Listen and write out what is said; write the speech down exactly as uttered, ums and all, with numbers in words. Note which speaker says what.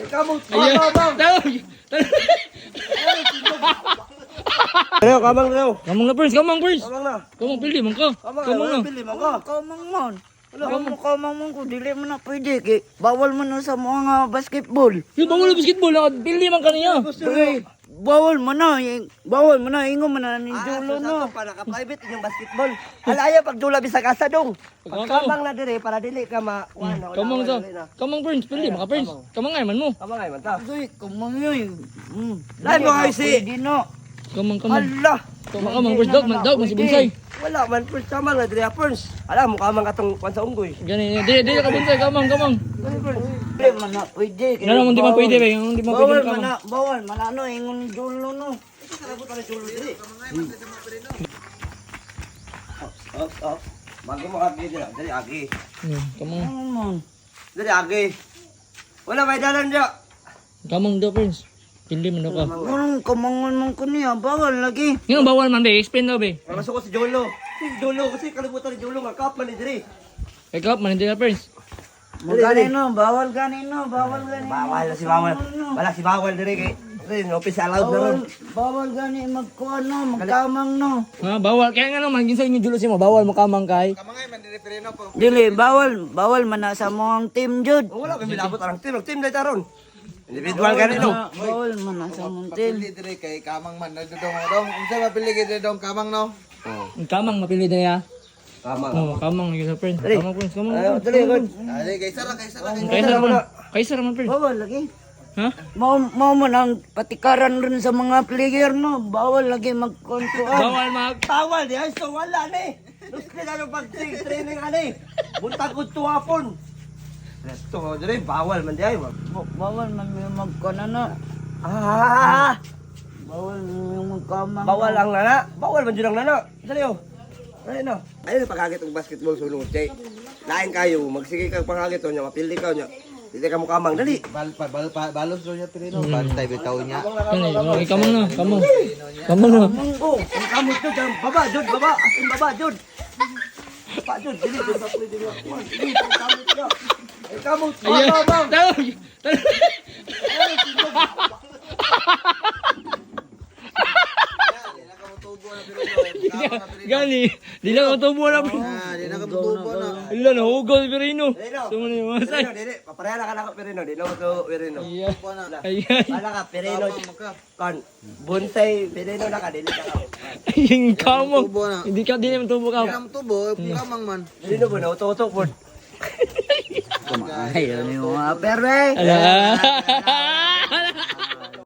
Speaker 1: Kamot.
Speaker 2: Ayan. Tawag.
Speaker 1: Ano, kamang na.
Speaker 2: Kamang na first, kamang first.
Speaker 1: Kamang na.
Speaker 2: Kamang pili man ka.
Speaker 1: Kamang
Speaker 2: Kamang na.
Speaker 1: na. Pili mo ka.
Speaker 3: Kamang man. Kamang kamang man ko, dili mo na pwede. Kay, bawal mo na sa mga basketball.
Speaker 2: Yung bawal na basketball, pili man ka niya.
Speaker 3: Uy, bawal mo na. eh, Bawal mo na. Ingo mo na ni dulo no.
Speaker 1: Para naka-private yung basketball. Alaya pag dula bisa kasa dong. Pagkamang na dire para dili ka ma wala.
Speaker 2: Kamang sa. Kamang first, pili man ka first. Kamang ay man mo.
Speaker 1: Kamang ay man ta.
Speaker 3: Uy, kamang yun. Mm.
Speaker 1: Lain mo kayo si-
Speaker 3: Pwede no.
Speaker 2: Kamang, kamang.
Speaker 1: Hala.
Speaker 2: Kamang, kamang first, dog, man, dog, man si Bunsay.
Speaker 1: Wala man first kamang na dire first. Alam mo kamang katong kwan sa unggoy.
Speaker 2: Gani, di, di ka Bunsay, kamang, kamang.
Speaker 3: Dili man na pwede. kay
Speaker 2: Ano naman di man
Speaker 3: bawal.
Speaker 2: pwede, be, yung di man
Speaker 3: Bawal
Speaker 2: pwede
Speaker 3: man
Speaker 2: kamang.
Speaker 3: na. Bawal man na. Ano, ingon dulo no.
Speaker 1: Oh, oh. Bago mo agi dira, diri agi.
Speaker 2: Hmm, kamang,
Speaker 3: Kamang man.
Speaker 1: Diri agi. Wala may dalan dira.
Speaker 2: kamang daw first. Pili man daw ka.
Speaker 3: Anong kamangon man ko niya? Bawal lagi.
Speaker 2: Yung bawal man, be, explain daw, be.
Speaker 1: Masuk ko si Jolo. Si Jolo kasi kalibutan ni Jolo nga kap man ni diri.
Speaker 2: Ikaw, man, hindi ka first.
Speaker 3: Magkanino, bawal ganino, bawal ganino.
Speaker 1: Bawal na si Bawal. Wala si Bawal diri kay. Diri no office allowed na
Speaker 3: Bawal,
Speaker 1: ron.
Speaker 3: bawal gani magkuhan no, magkamang no.
Speaker 2: Ha, bawal. Kaya nga naman, ginsa yung julo si mo, bawal mo kamang kay.
Speaker 3: Dili, bawal, bawal man na sa mga team jud.
Speaker 1: Oh, wala kami labot arang team, team dai taron. Individual gani no.
Speaker 3: Na- Bawal man na sa mga team.
Speaker 4: Pili dire kay kamang man dong dong unsa mapili kay dong kamang no.
Speaker 2: Yung kamang, mapili na ya.
Speaker 1: Tama.
Speaker 2: Oh, kamang, yung sa friend.
Speaker 1: Dali.
Speaker 2: Kamang, friends, kamang.
Speaker 1: Ayo dali kon.
Speaker 4: Dali kay sara kay sara kay
Speaker 2: Kaisa naman. Kaisa naman, friend.
Speaker 3: Bawal lagi.
Speaker 2: Ha?
Speaker 3: Mau mau man ang patikaran rin sa mga player no, bawal lagi magkontuan.
Speaker 2: Bawal mag...
Speaker 1: Bawal di ay so wala ni. Gusto na pag training ani. Buntag ko tuwapon. Resto diri bawal man di ay.
Speaker 3: Ba- Bawal man may magkuhan na.
Speaker 1: Ah,
Speaker 3: Bawal yung magkamang.
Speaker 1: bawal ang nana. Bawal man jud ang nana. Dali oh. Dali no. Ayun pagkagit og basketball sulong chay. Lain kayo, magsige kag pangagit nya, mapildi ka nya. Dili ka mo kamang dali.
Speaker 4: bal bal bal- balos do niya pirino bantay bitaw niya.
Speaker 2: Kani, okay, kamang na, kamang. Kamang na.
Speaker 1: Munggo, ang kamot jud ang baba jud baba, asin baba jud. Baba jud dili jud sa pwede nga. Dili ang kamot ka. Ay kamot,
Speaker 2: Ayan.
Speaker 1: baba.
Speaker 2: Tawag. Gani, di lang ako tubo na.
Speaker 4: Ah, di na kabutubo na.
Speaker 2: Ila na, hugaw si Perino.
Speaker 1: Perino.
Speaker 2: Sumo na yung masay.
Speaker 1: Perino, dili, papareha ka na ka Perino, di na mo to Perino.
Speaker 2: Ayan. Ayan.
Speaker 1: Wala ka Perino. Kon, bonsai Perino na ka dili ka.
Speaker 2: Yung kamang.
Speaker 4: Tubo na.
Speaker 2: Hindi ka, di naman tubo ka.
Speaker 4: Kam tubo kamang man.
Speaker 1: Perino mo na uto-uto pod.
Speaker 3: Ayaw ni mga perwe.
Speaker 2: Ala.